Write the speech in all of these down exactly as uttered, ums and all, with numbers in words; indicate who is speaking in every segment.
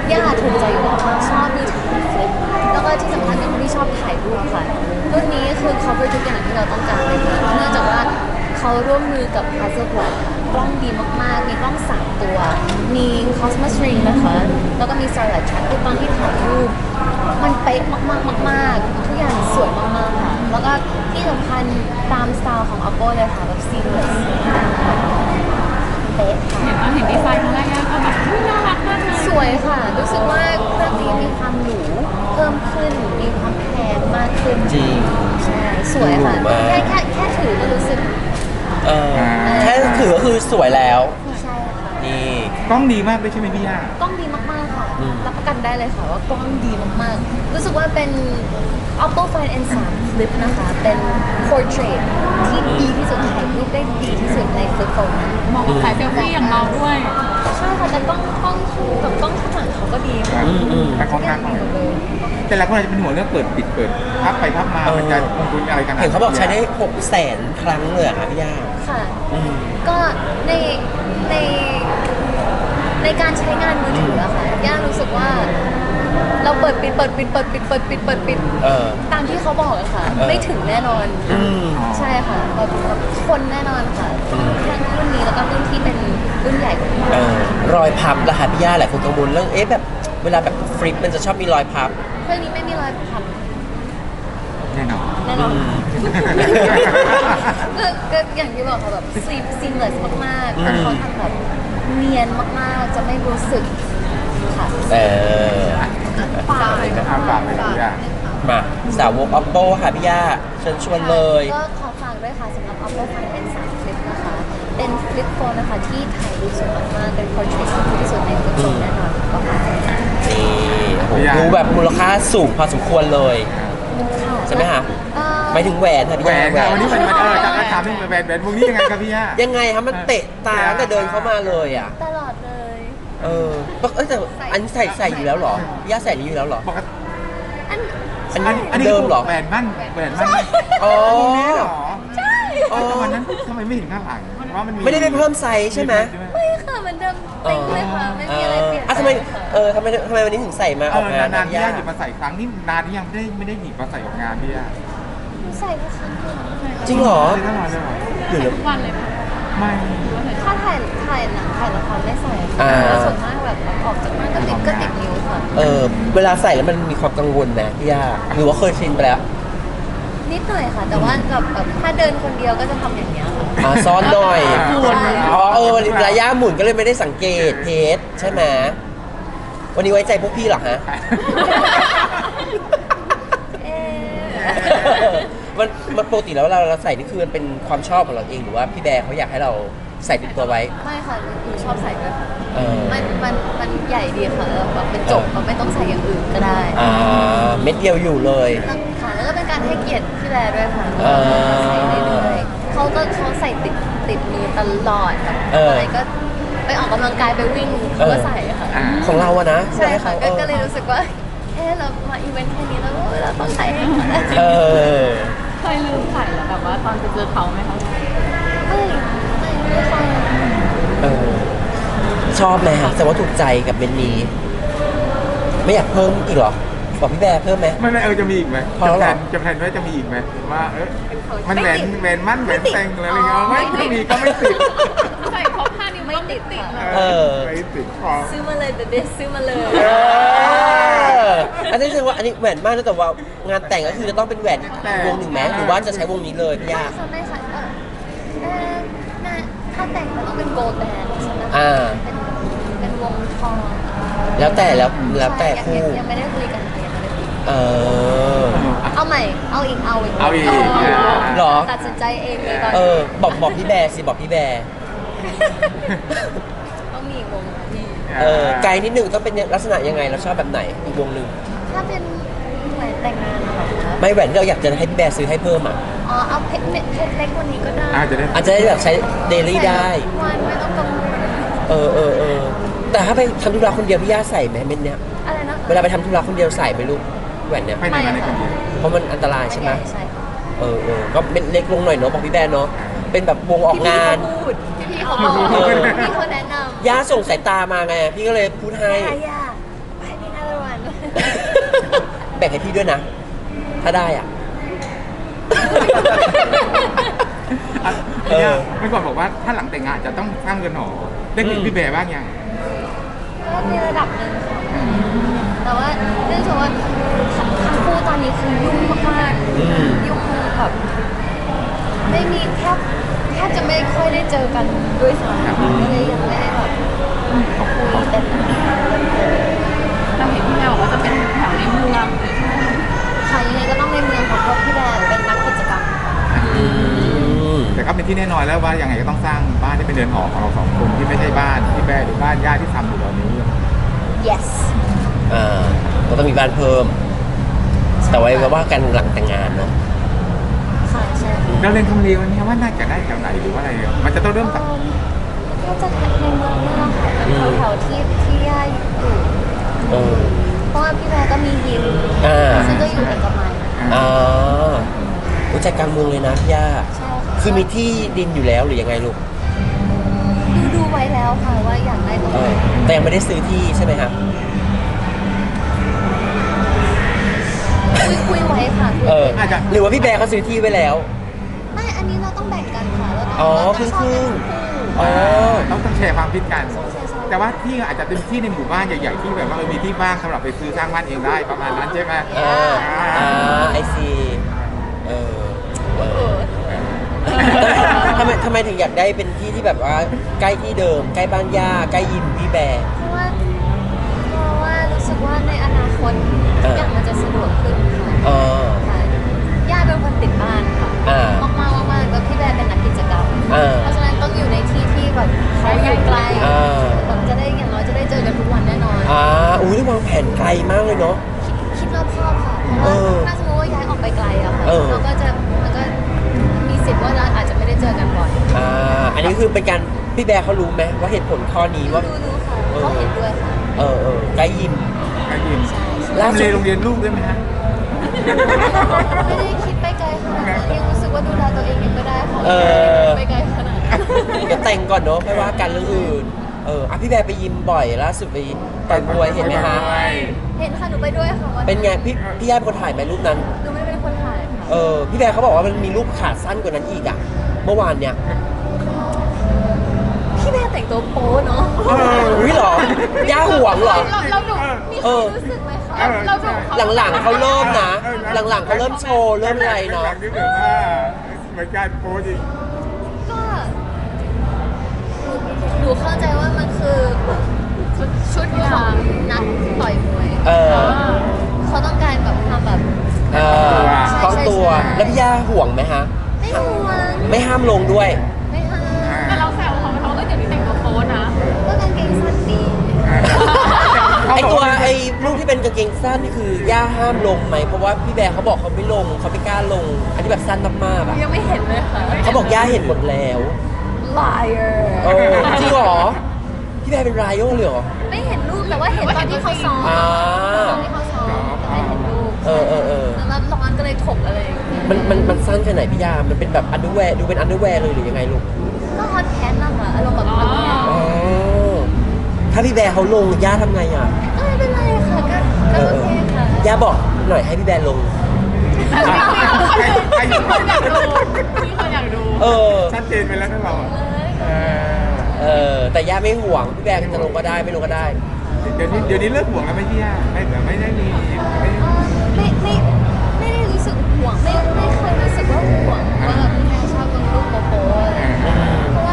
Speaker 1: ย่าถูกใจอยู่แล้วชอบมือถือฟลิปแล้วก็ที่สำคัญเป็นคนที่ชอบถ่ายรูปค่ะรุ่นนี้คือเขาเป็นทุกอย่างที่เราต้องการเลยค่ะเนื่องจากว่าเขาร่วมมือกับ Hasselblad ค่ะกล้องดีมากๆมีกล้องสามตัวมี Cosmos Ring นะคะแล้วก็มี Starlight Track คือตอนที่ถ่ายรูปมันเป๊ะมากๆมากๆทุกอย่างสวยมากๆค่ะแล้วก็ที่สำคัญตามสไตล์ของ Oppo เลยค่ะแบบ seamless เป๊ะค่ะ
Speaker 2: เห็นว่าเห็นดีไซน์ครั้งแรกก็แบบน่ารักมากเลย
Speaker 1: สวยค่ะ รู้สึกว่าเครื่องนี้มีความหรูเพิ่มขึ้น มีความแพงมากขึ้น
Speaker 3: จริง
Speaker 1: ใช่ สวยค่ะ
Speaker 3: หรูมาก
Speaker 1: แค่แค่แค่ถือก็รู้สึก
Speaker 3: เออแค่ถือก็คือสวยแล้ว
Speaker 1: ใช่ค่ะ
Speaker 3: นี่
Speaker 4: กล้องดีมากเลยใช่ไหมพี่ย่าก
Speaker 1: ล้องดีมากๆค่ะ
Speaker 3: อืม
Speaker 1: รับประกันได้เลยค่ะว่ากล้องดีมากๆ รู้สึกว่าเป็น Oppo Find เอ็น ทรี Flip นะคะ เป็น portrait ที่ดีที่สุดถ่ายรูปได้ดีที่สุดใน Flip Phone นะ
Speaker 2: เหมาะกับสายเซลฟี่อย่างเราด้วย
Speaker 1: ใช่ค่ะ แต่กล้องกล้องกับกล้องข้างหลังเขาก็ดีค่ะ
Speaker 3: อืมอืม
Speaker 4: แต่ของ
Speaker 1: ทุกอย่าง
Speaker 4: ทาง
Speaker 1: ดีหมดเลย
Speaker 4: แต่หลายคนอาจจะเป็นห่วงเรื่องเปิดปิดเปิดพับไปพับมามันจะคงทุนอะไรกัน
Speaker 3: เห็นเขาบอกใช้ได้หกแสนครั้งเลยเหรอค่ะพี่ย่า
Speaker 1: ค่ะ
Speaker 3: อืม
Speaker 1: ก็ในในในการใช้งานมือถืออะค่ะย่ารู้สึกว่า เราเปิดปิดเปิดปิดเปิดปิดเปิดปิดเปิดปิด
Speaker 3: เออ
Speaker 1: ตามที่เขาบอกอะค่ะ
Speaker 3: เออ
Speaker 1: ไม่ถึงแน่นอน
Speaker 3: อืม
Speaker 1: ใช่ค่ะแบบแบบคนแน่นอนค่ะทั้งรุ่นนี้แล้วก็รุ่นที่เป็นรุ่นใหญ่กว่านี้
Speaker 3: เออรอยพับละค่ะพี่ย่าหลายคนกังวลเรื่องเอ๊ะแบบเวลาแบบฟลิปมันจะชอบมีรอยพับ
Speaker 1: เครื่องนี้ไม่มีรอยพับ
Speaker 4: แน่นอน
Speaker 1: แน่นอน
Speaker 3: อืม
Speaker 1: ก็ก็อย่างที่บอกค่ะแบบซีซีมเลสมากๆ
Speaker 3: อืม
Speaker 1: เขาทำแบบเนียนมากๆ จะไม่รู้สึกค่ะ
Speaker 3: เออ
Speaker 2: ฝากเลย
Speaker 4: อาฝากเลยพี่ย่า
Speaker 3: มาสาวก oppo ค่ะพี่ย่าเชิญชวนเลย
Speaker 1: ก็ขอฝากด้วยค่ะสำหรับ Oppo Find เอ็น ทรี Flip นะคะ เป็นฟลิปโฟนนะคะที่ถ่ายรูปสวยมากๆ เป็น portrait ที่ดีที่สุดในฟลิปโฟนแน่นอนก็ฝากด้วยค่ะ
Speaker 3: นี่โอ้โหดูแบบมูลค่าสูงพอสมควรเลย ใช่ไหมคะ
Speaker 1: เอ่อ
Speaker 3: หมายถึงแหวนค่ะพี่
Speaker 4: แหว
Speaker 3: ย่าน แหว
Speaker 4: ค่ะ
Speaker 3: น
Speaker 4: วันนี้มันมันเออจะถามที่แหวนแหวนพวกนี้ยังไงครับพี่ย่า
Speaker 3: ยังไงคะมันเตะตาตั้งแต่เดินเข้ามาเลยอ่ะ
Speaker 1: ตลอดเลย
Speaker 3: เออเอ้ยแต่อันนี้ใส่ใส่อยู่แล้วเหรอพี่ย่าใส่นี้อยู่แล้วเหรอ
Speaker 4: ปกติ
Speaker 1: อัน
Speaker 3: อัน
Speaker 4: อั
Speaker 3: นี้
Speaker 4: นอันนี้
Speaker 3: เดิมเหรอ
Speaker 4: แหวนมั่นแหวนมั่น
Speaker 3: อ๋อ
Speaker 4: วงนี้เหรอ
Speaker 1: ใช่
Speaker 4: เอ้ยแต่วันนั้นทำไมไม่เห็นข้างหลังว่ามันมี
Speaker 3: ไม่ได้ไปเพิ่มไซส์ใช่ไหม
Speaker 1: ไม่ค่ะเหมือนเดิมเต็งเลยค่ะ ไม่มีอะไรเปลี่ยน
Speaker 3: อ่ะทำไมเออทำไมทำไมวันนี้ถึงใส่มาอ
Speaker 4: เอ
Speaker 3: อกาน
Speaker 4: องนานๆ
Speaker 3: นะ
Speaker 4: พี่
Speaker 3: พี่
Speaker 4: ย่า
Speaker 3: ย่า
Speaker 4: หยิบมาใส่ครั้งนี้นานที่ยังไม่ได้ไม่ได้หยิบมาใส่ออกงานพี่ย่า
Speaker 1: ใส่แค่ครั้งเดียว
Speaker 3: จริงเหรอ
Speaker 4: ไม่ได้ตลอดเลยเหรอ
Speaker 3: หรือ
Speaker 2: ทุกวันเลยค่ะ
Speaker 4: ไม่
Speaker 1: ถ้าถ่ายถ่ายหนังถ่ายละครไม่ใส่ค่ะแล้วส่วนมากแบบออกจากบ้านก็ติดก็ติดนิ้วค่ะ
Speaker 3: เออเวลาใส่แล้วมันมีความกังวลนะพี่ย่าหรือว่าเคยชินไปแล้ว
Speaker 1: นิดหน่อยค่ะ แต่ว่าแบบแบบถ้าเดินคนเดียวก็จะทำอย่างเงี้ยค่ะ
Speaker 3: อ่าซ้อนหน่อย
Speaker 1: ใช่
Speaker 3: อ๋อเออเวลาย่าหมุนก็เลยไม่ได้สังเกตเพจใช่ไหมวันนี้ไว้ใจพวกพี่เหรอฮะ
Speaker 1: เอ๊ะ
Speaker 3: มันมันปกติแล้วเราเราใส่นี่คือมันเป็นความชอบของเราเองหรือว่าพี่แบร์เขาอยากให้เราใส่ติดตัวไว้
Speaker 1: ไม่ค่ะหนูชอบใส่ด้วยค่ะ
Speaker 3: เออ
Speaker 1: มันมันมันใหญ่ดีค่ะแล้วแบบเป็นจบเราไม่ต้องใส่อย่างอื่นก็ได้
Speaker 3: อ่าเม็ดเดียวอยู่เลย
Speaker 1: แล้วค่ะแล้วก็เป็นการให้เกียรติพี่แบร์ด้วยค่ะ
Speaker 3: เออ
Speaker 1: ใส่เรื่อยๆเขาก็เขาใส่ติดติดมือตลอดแบบ
Speaker 3: เอออ
Speaker 1: อะไรก็ไปออกกำลังกายไปวิ่งเขาก็ใส่ค่ะ
Speaker 4: อ่า
Speaker 3: ของเราอะนะ
Speaker 1: ใช่ค่ะ
Speaker 3: ให้
Speaker 1: ก็
Speaker 3: เขา
Speaker 1: ก็เลยรู้สึกว่า เออเรามาอีเวนต์แค่นี้แล้วเราต้องใส่ให้เขาแล้ว
Speaker 3: เออ
Speaker 2: เคยลืมใส่เหรอแบบว่าตอนไปเจอเขาไหมคะ
Speaker 1: ไม่ไม่ไม่ค่อย
Speaker 3: เออชอบไหมฮะแต่ว่าถูกใจกับเมนนี้ ไม่อยากเพิ่มอีกเหรอ บอกพี่แบร์เพิ่มไหม
Speaker 4: ไม่ไม่เออจะมีอีกไหม
Speaker 3: พอแล้วเหรอ
Speaker 4: จะแพลนว่าจะมีอีกไหมว่าเออมันแหวนแหวนมั่นแหวนแต่งอะไรอย่างเงี้ยไม่ไม่มีก็ไม่ติด
Speaker 2: ใส่ครบห้านิ้ว
Speaker 1: ไม่
Speaker 2: ก็
Speaker 1: ติด
Speaker 2: ติด
Speaker 1: ค่ะ
Speaker 2: เลย
Speaker 3: เออ
Speaker 4: ไม่ติดพอ
Speaker 1: ซื้อมาเลยเบเบซื้อมาเลย
Speaker 3: เอออันนี้แสดงว่าอันนี้แหวนมากนะแต่ว่างานแต่งก็คือจะต้องเป็นแหวนอีกวงหนึ่งไหมหรือว่าจะใช้วงนี้เลยพี่
Speaker 1: ไม่
Speaker 3: ยา
Speaker 1: ค่ะไม่ค่ะเออเออน่าถ้าแต่งมันต้องเป็นโกลด์แบนด์ใช่ไหมคะ
Speaker 3: อ่า
Speaker 1: เป็นเป็นวงทอง
Speaker 3: แล้วแต่แล้วแล้วแต่
Speaker 1: ใช่
Speaker 3: คู่
Speaker 1: ยังยังไม่ได้คุยกันค่ะยังไม่ได้คุย
Speaker 3: เออ
Speaker 1: เอาใหม่ เอาอีก เอาอีก
Speaker 4: เอาอีก
Speaker 3: หรอ
Speaker 1: ตัดสินใจเองเลยตอน
Speaker 3: เอ
Speaker 1: นี้
Speaker 3: อบอกบอกพี่แบร์สิบอกพี่แบร์
Speaker 1: ต้องมีอีกวงพี่
Speaker 3: เออไกลนิดหนึ่งต้องเป็นลักษณะยังไงเราชอบแบบไหนอีกวงหนึ่ง
Speaker 1: ถ้าเป็นแหวนแต่งงานนะคะ
Speaker 3: ไม่แหวนที่เราอยากจะให้พี่แบร์ซื้อให้เพิ่มอ่ะ
Speaker 1: อ๋อ เอาเพชรเม็ดเพชรเล็กกว่านี้ก็ได้
Speaker 4: อาจจะได้
Speaker 3: อาจจะได้แบบใช้เดลี่ได้
Speaker 1: ใส่ทุกวันไม่ต้องกังวล
Speaker 3: เออเออเออแต่ถ้าไปทำธุระคนเดียวพี่ย่าใส่ไหมเม็ดเนี้ย
Speaker 1: อะไรนะ
Speaker 3: เวลาไปทำธุระคนเดียวใส่ไหมลูกแหวนเนี้ย
Speaker 4: ไม่ได้มาในคนเดียว
Speaker 3: เพราะมันอันตรายใช่ไหม
Speaker 1: ใช่ค่ะ
Speaker 3: เออเออก็เม็ดเล็กลงหน่อยเนาะบอกพี่แบร์เนาะเป็นแบบวงออกงาน
Speaker 1: พูดพี่เขาบอก
Speaker 3: เออ
Speaker 1: พี่เขาแนะนำ
Speaker 3: ย่าส่งสายตามาไงพี่ก็เลยพูดให้
Speaker 1: ย่าย่าไป
Speaker 3: แบ่งให้พี่ด้วยนะ ถ้าได้อ่ะ
Speaker 4: อ่ะเนี่ยเมื่อก่อนบอกว่าถ้าหลังแต่งงานจะต้องสร้างเรือนหอได้คุยกับพี่แบร์บ้างยัง
Speaker 1: ก็ในระดับหนึ่งค่ะ แต่ว่าเนื่องจากว่าทั้งคู่ตอนนี้คือยุ่งมาก
Speaker 3: อืม
Speaker 1: ๆยุ่งแบบไม่มีแทบแทบจะไม่ค่อยได้เจอกันด้วยซ้ำก็เลยยังไม่ได้แบบคุยแต่
Speaker 2: เราเห็นพี่แมวบอกว่าจะเป็นแถวในเมืองเลยใช่ไหม
Speaker 1: ค่ะยังไงก็ต้องในเมืองของเพราะพี่แบร์เป็นนักกิจกรรม
Speaker 3: อืม
Speaker 4: แต่ก็เป็นที่แน่นอนแล้วว่ายังไงก็ต้องสร้างบ้านที่เป็นเรือนหอของเราสองคนที่ไม่ใช่บ้านพี่แบร์หรือบ้านญาติที่ทำอยู่ตอนนี้
Speaker 1: yes
Speaker 3: อ่าก็ต้องมีบ้านเพิ่ม แต่ไว้ว่ากันหลังแต่งงานเนาะ
Speaker 1: ค่ะใช่ค่ะ
Speaker 4: เราเรียนทำเลวันนี้ว่าน่าจะได้แถวไหนหรือว่าอะไรมันจะต้องเริ่มจาก
Speaker 1: ก็จะในเมืองนี่แหละค่ะเป็นแถวๆที่ที่ย่าอยู่
Speaker 3: เออ
Speaker 1: เพราะว่าพี่แบร์ก็มียิม
Speaker 3: อ่า
Speaker 1: ซึ่งก็อยู่เอกมัย
Speaker 3: อ่ารู้จักกลางเมืองเลยนะพี่ย่า
Speaker 1: ใช่ค่ะ
Speaker 3: คือมีที่ดินอยู่แล้วหรือยังไงลูก
Speaker 1: ดูดูไว้แล้วค่ะว่าอยากได้ตรง
Speaker 3: เอ
Speaker 1: ไหน
Speaker 3: อ แต่ยังไม่ได้ซื้อที่ใช่ไหมครับ
Speaker 1: คุยคุยไว้ค่ะ
Speaker 3: เออ หรือว่าพี่แบร์เขาซื้อที่ไว้แล้ว
Speaker 1: ไม่อันนี้เราต้องแบ่งกันค่ะเราต้อง
Speaker 3: อ๋อ
Speaker 1: เรา
Speaker 3: ครึ่
Speaker 1: ต้อง
Speaker 3: ง
Speaker 1: ช
Speaker 3: ค
Speaker 1: อบ
Speaker 3: รึ่
Speaker 1: กั
Speaker 3: ง
Speaker 1: น
Speaker 3: อ๋อ
Speaker 4: ต้องต้องแชร์ความคิดกัน
Speaker 1: ใช่ใช่ใช่
Speaker 4: แต่ว่าที่อาจจะเป็นที่ในหมู่บ้านใหญ่ๆที่แบบว่าเออมีที่ว่างสำหรับไปซื้อสร้างบ้านเองได้ประมาณนั้นใช่ไหม
Speaker 3: เอออ่าไอซีเออเออทำไมทำไมถึงอยากได้เป็นที่ที่แบบว่าใกล้ที่เดิม ใกล้บ้านย่า ใกล้ยิมพี่แบร์
Speaker 1: เพราะว่าเพราะว่ารู้สึกว่าในอนาคต
Speaker 3: เอ
Speaker 1: ทุก
Speaker 3: อ
Speaker 1: อย่างมันจะสะดวกขึ้นค่ะ
Speaker 3: เออ
Speaker 1: ค่ะย่าเป็นคนติดบ้านค่ะ
Speaker 3: อ่าม
Speaker 1: ากมากๆมากๆแล้วพี่แบร์เป็นนักกิจกรรม
Speaker 3: เออ
Speaker 1: เพราะฉะนั้นต้องอยู่ในที่ที่แบบเขาอยู่ไกล
Speaker 3: อ่า
Speaker 1: แบบจะได้อย่างน้อยจะได้เจอกันทุกวันแน่นอน
Speaker 3: อ่าอุ้ยนี่วางแผนไกลมากเลยเนาะ
Speaker 1: คิดคิดรอบคอบค่ะ เพราะ
Speaker 3: เอ
Speaker 1: ว่า
Speaker 3: อ
Speaker 1: ถ้าสมมติว่าย้ายออกไปไกลอะค่ะ
Speaker 3: เออ
Speaker 1: เราก็จะมันก็มีสิทธิ์ว่าเราอาจจะไม่ได้เจอกันบ่อย
Speaker 3: อ่า อันนี้คือเป็นการพี่แบร์เขารู้ไหมว่าเหตุผลข้อนี้
Speaker 1: รู้
Speaker 3: ว่า
Speaker 1: รู้รู้ค่ะ
Speaker 3: เออ
Speaker 1: เขาเห็นด้วยค่ะ
Speaker 3: เออเออใกล้ยิม
Speaker 4: ไอ้ยิม
Speaker 1: ใช่ใช่
Speaker 3: ล่า
Speaker 4: ทำ
Speaker 3: สุ
Speaker 4: เล
Speaker 3: ด
Speaker 4: โรงเรียนลูกด้วยไหมฮะ
Speaker 1: ไม่ได้คิดไปไกลขนาดนั้นยังรู้สึกว่าดูแลตัวเองยังไม่ได้ค่ะ
Speaker 3: เออ
Speaker 1: ไปไกลขนาดนั้น
Speaker 3: เดี๋ยวแต่งก่อนเนาะค่อยว่ากันเรื่องอื่น เอออ่ะพี่แบร์ไปยิมบ่อยล่าสุดไปต่อยมวยเห็นไหมคะ
Speaker 1: เห็นค่ะหนูไปด้วยค่ะวัน
Speaker 3: เป็นไงพี่พี่ย่าเป็นคนถ่ายไหมรูปนั้น
Speaker 1: หนูไม่ได้เป็นคนถ่ายค่ะ
Speaker 3: เออพี่แบร์เขาบอกว่ามันมีรูปขาสั้นกว่านั้นอีกอ่ะ เมื่อวานเนี่ย
Speaker 1: พี่แม่แต่งตัวโป๊เนาะ
Speaker 3: อุ้ยเหรอย่าห่วงเหรอ
Speaker 2: เราเราดู
Speaker 1: มี
Speaker 3: เอ
Speaker 1: ความ
Speaker 3: อ
Speaker 1: รู้สึกไหมคะ
Speaker 4: เออ
Speaker 2: เราดูเขา
Speaker 3: หลังๆเขาเริ่มนะ หลังๆเขาเริ่มโชว์เริ่มอะไรเนาะ
Speaker 4: หลังๆนี่แบบว่าเหมือนการโพสต์อีก
Speaker 1: ก็หนูหนูเข้าใจว่ามันคือชุดชุดของนักต่อยมวย
Speaker 3: เออ
Speaker 1: เขาต้องการแบบทำแบบ
Speaker 3: เออคล้องตัว แล้วพี่ย่าห่วงไหมฮะ
Speaker 1: ไม่ห่วง
Speaker 3: ไม่ห้ามลงด้วย
Speaker 1: ไม่ห้าม
Speaker 2: แต่เราแซวเขาเขาก็เดี๋ยวนี้แต่งตัวโป๊นะ
Speaker 1: ก็กางเกงสั้นดี
Speaker 3: ไอตัวไอรูปที่เป็นกางเกงสั้นนี่คือย่าห้ามลงไหมเพราะว่าพี่แบร์เขาบอกเขาไม่ลงเขาไม่กล้าลง อันที่แบบสั้นมากๆอ่ะ
Speaker 1: ยังไม่เห็นเลยค่ะ
Speaker 3: เขาบอกย่าเห็นหมดแล้ว
Speaker 1: liar
Speaker 3: เออจริงเหรอพี่แบร์เป็นรายโยเลยเหรอ
Speaker 1: ไม่เห็นรูปแต่ว่าเห็นตอนที่เขาซ้อม
Speaker 3: อ่า
Speaker 1: ตอนที่เขาซ้อมแต่ไม่เห็นรูป
Speaker 3: เออเออเออ
Speaker 1: แล้วร้อนก็เลยถกอะไรอย่างเงี้ย
Speaker 3: มันมันมันสั้นแค่ไหนพี่ย่ามันเป็นแบบอันเดอร์แวร์ดูเป็นอันเดอร์แวร์เลยหรือยังไงลูก
Speaker 1: ก็ฮอตแพนนะคะอารมณ์แบบฮอตแพน
Speaker 3: อ๋อถ้าพี่แบร์เขาลงย่าทำไงอ่ะ
Speaker 1: ก็ไม่เป็นไรค่ะก็
Speaker 3: เอ
Speaker 1: ก็
Speaker 3: อ
Speaker 1: โอ
Speaker 3: เอ
Speaker 1: เค
Speaker 3: อ
Speaker 1: ค่ะ
Speaker 3: ย่าบอกหน่อยให้พี่แบร์ลง
Speaker 4: ใครใคร
Speaker 2: มีคนอยากดูมีคนอยากดู
Speaker 3: เออ
Speaker 4: ชัดเจนไปแล้วนะเราอะเออ
Speaker 3: เออแต่ย่าไม่ห่วงพี่แบร์จะลงก็ได้ไม่ลงก็ได้
Speaker 4: เดี๋ยวนี้เดี๋ยวนี้เลิกห่วงแล้วไหม่พี่ย่าไม่ไม่ได้มีไม่
Speaker 1: เอ่อไม่ไม่ไม่ได้รู้สึกห่วงไม่ไม่เคยรู้สึกว่าห่วงว่าแบบแม่ชอบลงรูปโป๊ะอะไรอย่างเงี้ยเพราะว่า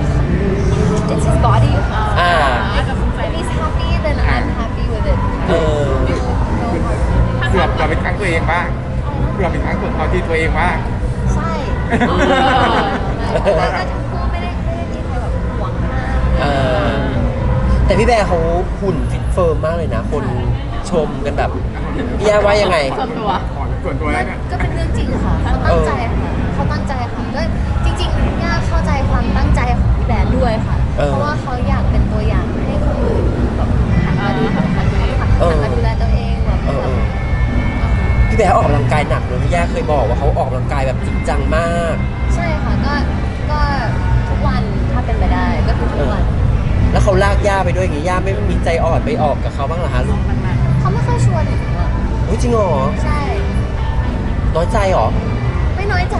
Speaker 1: it's his body ค่ะ
Speaker 3: อ่า
Speaker 2: อาจจะสงสัย
Speaker 1: if he's happy then I'm happy with it
Speaker 3: เออ
Speaker 1: no no hard feelings
Speaker 4: เกือบเราเป็นครั้งตัวเองบ้างเกือบเป็นครั้งตัวเอาที่ตัวเองบ้าง
Speaker 1: ใช่แต่ว่าก็ทั้งคู่ไม่ได้ไม่ได้มีใครแบบห่วงมาก
Speaker 3: เออแต่พี่แบร์เขาหุ่นฟิตเฟิร์มมากเลยนะ คนชมกันแบบพี่ย่าว่ายังไง
Speaker 2: ส่วนตัว
Speaker 4: ขอส่วนตัวแล้วเนี่ย
Speaker 1: ก็เป็นเรื่องจริงค่ะเขาตั้งใจค่ะเขาตั้งใจค่ะก็จริงๆย่าเข้าใจความตั้งใจของพี่แบร์ด้วยค่ะ
Speaker 3: เออ
Speaker 1: เพราะว่าเขาอยากเป็นตัวอย่างให้คนอื่นแบบหันมาดูหันมาหัน
Speaker 3: เออ
Speaker 1: มาดูแลตัวเองแบบ
Speaker 3: เออ
Speaker 1: แบ
Speaker 3: เอบ อพี่แบร์ออกกำลังกายหนักเลยพี่ย่าเคยบอกว่าเขาออกกำลังกายแบบจริงจังมาก
Speaker 1: ใช่ค่ะก็ก็ทุกวันถ้าเป็นไปได้ก็คือทุกวัน
Speaker 3: แล้วเขาลากย่าไปด้วยอย่างงี้ย่าไม่มีใจอ่อนไปออกกับเขาบ้างเหรอฮะลูก
Speaker 2: มันมา
Speaker 1: เขาเขาไม่ค่อยชวนหนูอะ
Speaker 3: เฮ้ยจริงเหรอ
Speaker 1: ใช่
Speaker 3: น้อยใจเหรอ
Speaker 1: ไม่น้อยใจ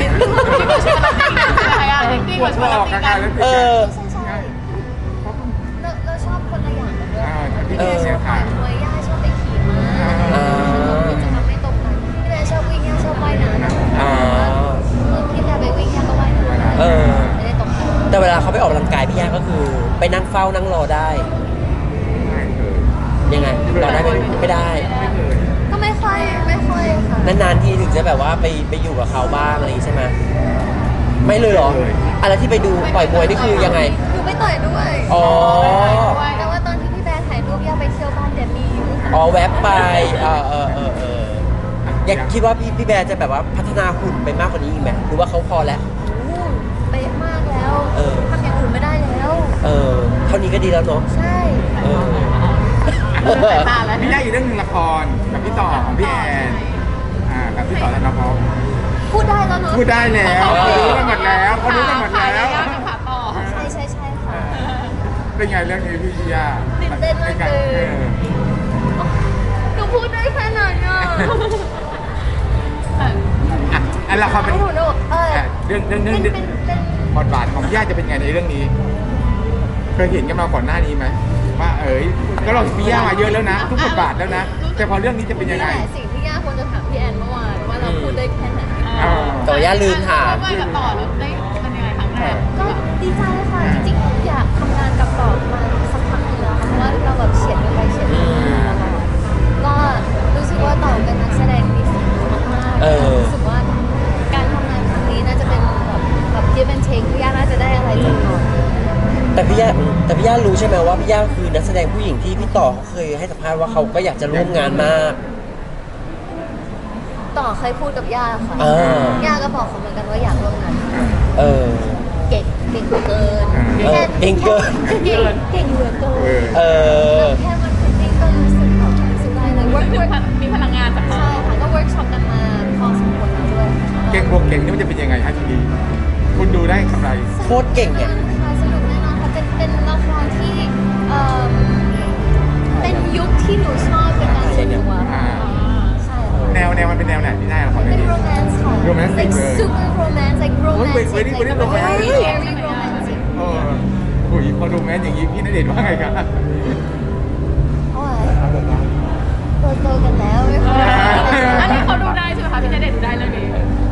Speaker 2: อะไรอะจริงๆ
Speaker 4: ปวด
Speaker 2: ชวน
Speaker 4: อ
Speaker 2: เรา
Speaker 4: อก
Speaker 2: ตี
Speaker 4: อา
Speaker 2: กั
Speaker 4: การ
Speaker 2: น
Speaker 4: แล้วติด
Speaker 3: เอ
Speaker 4: กัน
Speaker 3: อ
Speaker 1: ใช่ใช่เราเราชอบคนละอย่างกันด้วย
Speaker 4: อ่าที่
Speaker 3: เอ
Speaker 4: พี่
Speaker 3: อ
Speaker 4: เสีย
Speaker 1: ต่
Speaker 4: ขา
Speaker 1: อ
Speaker 4: ด
Speaker 1: ยมวยย่าชอบไปขี่ม้า
Speaker 3: อ่า
Speaker 1: กิจกรรมไม่ตรงกันพี่แม่ชอบวิ่งย่าชอบว่ายน้ำ
Speaker 3: อ่า
Speaker 1: พี่แม่ไปวิ่งย่าก็ว่ายน้ำ
Speaker 3: เออ
Speaker 1: ไม่ได้ตรงกัน
Speaker 3: แต่เวลาเขาไปออกกำลังกายพี่ย่าก็คือไปนั่งเฝ้านั่งรอได้
Speaker 4: ไม่เคย
Speaker 3: ยังไงรอได้ไหมไม่ได้
Speaker 4: ไม่เคย
Speaker 1: ก็ไม่ค่อยไม่ค่อยค่ะ
Speaker 3: นานๆทีถึงจะแบบว่าไปไปอยู่กับเขาบ้างอะไรอย่างงี้ใช่ไหมไม่เลยเหรออะไรที่ไปดูต่อยมวยนี่คือยังไง
Speaker 1: หนูไม่ต่อยด้วย
Speaker 3: อ๋อ
Speaker 1: แต่ว่าตอนที่พี่แบร์ถ่ายรูปย่าไปเที่ยวบ้านเดมี่อยู่
Speaker 3: อ๋อแวบไปเออเออเออเอออยากคิดว่าพี่พี่แบร์จะแบบว่าพัฒนาหุ่นไปมากกว่านี้อีกไหมหรือว่าเขาพอแล้ว
Speaker 1: โอ้เป๊ะมากแล้ว
Speaker 3: เออ
Speaker 1: ทำอย่างอื่นไม่ได้แล้ว
Speaker 3: เออเท่านี้ก็ดีแล้วเนาะ
Speaker 1: ใช่
Speaker 3: เออ
Speaker 2: ตาแล้ว
Speaker 4: พี่ได้อีกเรื่องหนึงละครกับพี่ต่อของพี่แอนอ่ากับพี่ต่อธนภพ
Speaker 1: พูดได้แล้วเนาะ
Speaker 4: พูดได้แล้วเขารู้กันหมดแล้วเขารู้กันหมดแล้ว
Speaker 2: ยากกับขาต่อ
Speaker 1: ใช่ใช่ใช่ค่ะ
Speaker 4: เป็นไงเรื่องนี้พี่ย่า
Speaker 1: ตื่นเต้นมากเลย
Speaker 4: ออ
Speaker 1: หนูพูดได้แค่ไหนอ่ะ
Speaker 4: อ่ะอันละครเป็น
Speaker 1: หนูหนูเออ
Speaker 4: อ่ะเรื่องเรื่อง
Speaker 1: เป็
Speaker 4: เรื่อง
Speaker 1: นเป็นเป็น
Speaker 4: บทบาทของพี่ย่าจะเป็นไงในเรื่องนี้ เคยเห็นกันมาก่อนหน้านี้ไหมว่าเอ๋ยก็เราเห็นพี่ย่ามาเยอะแล้วนะ ทุกบทบาทแล้วนะ แต่พอเรื่องนี้จะเป็นยังไง
Speaker 1: นี่แหละสิ่งที่ย่าควรจะถามพี่แอนเมื่อวานว่าเราพูดได้แค่ไหน
Speaker 4: อ่า
Speaker 3: แต่ว่าย่าลืมถาม
Speaker 2: ว่ากับต่อแล้วได้เป็นยังไงครั้งแรก
Speaker 1: ก็ดีใจค่ะจริงๆอยากทำงานกับต่อมาสักพักหนึงแล้วค่ะเพราะว่าเราแบบเฉียดกันไปเฉียดกันมาตลอดก็รู้สึกว่าต่อเป็นนักแสดงที่ดีมากๆ
Speaker 3: เออ
Speaker 1: รู้สึกว่าการทำงานครั้งนี้น่าจะเป็นแบบแบบ give and take พี่ย่าน่าจะได้อะไรจากต่อ
Speaker 3: แต่พี่ย่าแต่พี่ย่ารู้ใช่ไหมว่าพี่ย่าคือนักแสดงผู้หญิงที่พี่ต่อเขาเคยให้สัมภาษณ์ว่าเขาก็อยากจะร่วมงานมาก
Speaker 1: ต่อเคยพูดกับย่าค่ะ
Speaker 3: อ่า
Speaker 1: ย่าก็บอกเขาเหมือนกันว่าอยากร่วมงาน
Speaker 3: เออ
Speaker 1: เก่งเก่งเกิน
Speaker 3: เออเก่งเกิน
Speaker 1: แค่เก่งเก่งเหลือเกิ
Speaker 4: เออ
Speaker 1: น
Speaker 3: เออ
Speaker 1: แค่มันฟิตติ้งก็รู้สึกแบบรู้สึกได้เลย work
Speaker 2: ถึง
Speaker 1: work
Speaker 2: มีพลังงานจากเขา
Speaker 1: ใช่ค่ะก็เวิร์กช็อปกันมาพอสมควรแล้วด้วย
Speaker 4: เก่งบวกเก่งนี่มันจะเป็นยังไงฮะทีนี้คุณดูได้กำไร
Speaker 3: โคตรเก่งอ่ะ
Speaker 1: ค่ะสนุกแน่นอนค่ะเป็นเป็นละครที่เอ่อเป็นยุคที่หนูชอบเป็นการส่วนตัว
Speaker 4: อ่า
Speaker 1: ใช่ค่ะ
Speaker 4: แนวแนวมันเป็นแนวไหนที่ได้ละคร
Speaker 1: เป็
Speaker 4: เรื่อน งนี้
Speaker 1: romance ค่ะ
Speaker 4: Romantic
Speaker 1: like
Speaker 4: เลย
Speaker 1: super romance like
Speaker 4: โอ้ย
Speaker 1: romantic
Speaker 4: very very
Speaker 1: like
Speaker 4: romantic
Speaker 1: very very romantic
Speaker 4: เอออุ้ยพอดูแมนอย่างนี้พี่ณเดชน์ว่าไงครับ
Speaker 1: โอ้ยโตโตๆกันแล้วไม่ค่อย
Speaker 2: อันนี้เขาดูได้ใช่ไหมคะพี่ณเดชน์ดูได้เรื่องนี้